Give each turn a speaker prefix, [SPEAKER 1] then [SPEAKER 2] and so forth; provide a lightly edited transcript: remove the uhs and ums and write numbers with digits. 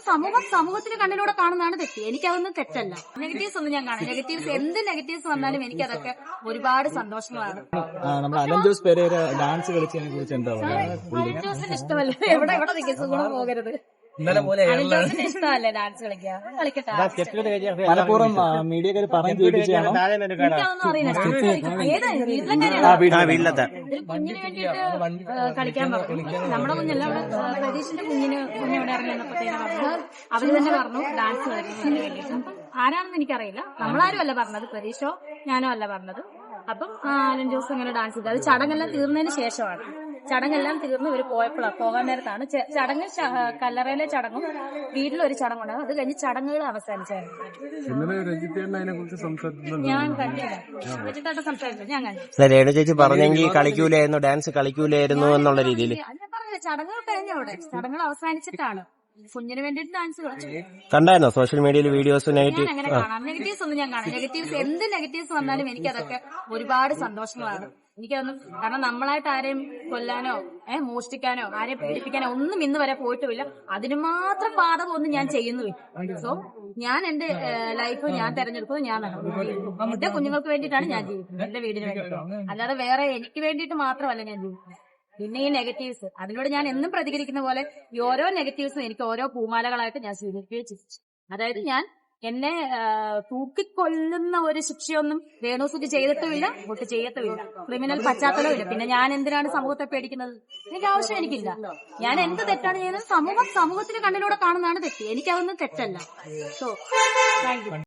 [SPEAKER 1] സമൂഹത്തിന്റെ കണ്ണിലൂടെ കാണുന്നതാണ് തെറ്റ്. എനിക്കതൊന്നും തെറ്റല്ല. നെഗറ്റീവ്സ് ഒന്നും ഞാൻ കാണാം. നെഗറ്റീവ്സ് എന്ത് നെഗറ്റീവ്സ് വന്നാലും എനിക്കതൊക്കെ ഒരുപാട് സന്തോഷങ്ങളാണ്.
[SPEAKER 2] നമ്മുടെ അലൻ ജോസ് പെരേര ഡാൻസ് കളിച്ചതിനെ കുറിച്ച് എന്താ പറയുക?
[SPEAKER 1] അലൻ ജോസിന് ഇഷ്ടമല്ല. എവിടെ സുഖം പോകരുത്. അലൻ ജോസിന് ഇഷ്ടമല്ലേ ഡാൻസ് കളിക്കാൻ? കളിക്കട്ടെ.
[SPEAKER 2] മലപ്പുറം മീഡിയക്കാർ പറഞ്ഞു കേൾപ്പിച്ചാണോ?
[SPEAKER 1] എനിക്കതൊന്നും അറിയില്ല. കുഞ്ഞിന് വേണ്ടിയിട്ട് കളിക്കാൻ പറഞ്ഞു. നമ്മുടെ കുഞ്ഞല്ല, പ്രതീഷിന്റെ കുഞ്ഞിവിടെ ഇറങ്ങി വന്നപ്പോഴത്തേനും പറഞ്ഞു, അവര് തന്നെ പറഞ്ഞു ഡാൻസ് കളിക്കുന്നതിന് വേണ്ടിയിട്ട്. ആരാണെന്ന് എനിക്കറിയില്ല. നമ്മളാരും അല്ല പറഞ്ഞത്, പ്രതീക്ഷോ ഞാനോ അല്ല പറഞ്ഞത്. അപ്പം അലൻ ജോസ് ഇങ്ങനെ ഡാൻസ് ചെയ്തു. അത് ചടങ്ങെല്ലാം തീർന്നതിന് ശേഷമാണ്. ചടങ്ങെല്ലാം തീർന്ന് ഇവര് പോകാൻ നേരത്താണ് ചടങ്ങ്. കല്ലറയിലെ ചടങ്ങും വീട്ടിലൊരു ചടങ്ങുണ്ടാകും. അത് കഴിഞ്ഞ് ചടങ്ങുകൾ അവസാനിച്ചായിരുന്നു. ഞാൻ കണ്ടില്ല. രജിത്തായിട്ട് സംസാരിച്ചു. ഞാൻ കണ്ടില്ല.
[SPEAKER 3] രേണു ചേച്ചി പറഞ്ഞെങ്കിൽ കളിക്കൂലായിരുന്നു, ഡാൻസ് കളിക്കൂലായിരുന്നു എന്നുള്ള രീതിയിൽ.
[SPEAKER 1] ഞാൻ പറഞ്ഞില്ല, ചടങ്ങുകൾ കഴിഞ്ഞവിടെ. ചടങ്ങുകൾ അവസാനിച്ചിട്ടാണ് കുഞ്ഞിന് വേണ്ടിയിട്ട് ഡാൻസ് കളിച്ചു.
[SPEAKER 3] കണ്ടായിരുന്നോ സോഷ്യൽ മീഡിയയിൽ വീഡിയോസ്?
[SPEAKER 1] ഞാൻ അങ്ങനെ കാണാം. നെഗറ്റീവ്സ് ഒന്നും ഞാൻ കാണാം. നെഗറ്റീവ്സ് എന്ത് നെഗറ്റീവ്സ് വന്നാലും എനിക്കതൊക്കെ ഒരുപാട് സന്തോഷങ്ങളാണ്. എനിക്കതൊന്നും, കാരണം നമ്മളായിട്ട് ആരെയും കൊല്ലാനോ മോഷ്ടിക്കാനോ ആരെയും പീഡിപ്പിക്കാനോ ഒന്നും ഇന്ന് വരെ പോയിട്ടുമില്ല. അതിന് മാത്രം ബാധകമൊന്നും ഞാൻ ചെയ്യുന്നുമില്ല. സോ ഞാൻ എന്റെ ലൈഫ് ഞാൻ തെരഞ്ഞെടുക്കുന്നത് ഞാൻ നടന്നു. എന്റെ കുഞ്ഞുങ്ങൾക്ക് വേണ്ടിയിട്ടാണ് ഞാൻ ജീവിക്കുന്നത്, എന്റെ വീടിന് വേണ്ടിയിട്ട്. അല്ലാതെ വേറെ എനിക്ക് വേണ്ടിയിട്ട് മാത്രമല്ല ഞാൻ ജീവിക്കുന്നത്. പിന്നെ ഈ നെഗറ്റീവ്സ്, അതിനോട് ഞാൻ എന്നും പ്രതികരിക്കുന്ന പോലെ ഈ ഓരോ നെഗറ്റീവ്സും എനിക്ക് ഓരോ പൂമാലകളായിട്ട് ഞാൻ സ്വീകരിക്കുകയും ചെയ്തു. അതായത് ഞാൻ എന്നെ തൂക്കിക്കൊല്ലുന്ന ഒരു ശിക്ഷയൊന്നും രേണുസുതി ചെയ്തിട്ടുമില്ല, ഒട്ട് ചെയ്യത്തുമില്ല. ക്രിമിനൽ പശ്ചാത്തലമില്ല. പിന്നെ ഞാൻ എന്തിനാണ് സമൂഹത്തെ പേടിക്കുന്നത്? എനിക്ക് ആവശ്യം എനിക്കില്ല. ഞാൻ എന്ത് തെറ്റാണ് ചെയ്യുന്നത്? സമൂഹത്തിന്റെ കണ്ണിലൂടെ കാണുന്നതാണ് തെറ്റ്. എനിക്കതൊന്നും തെറ്റല്ല. So thank U.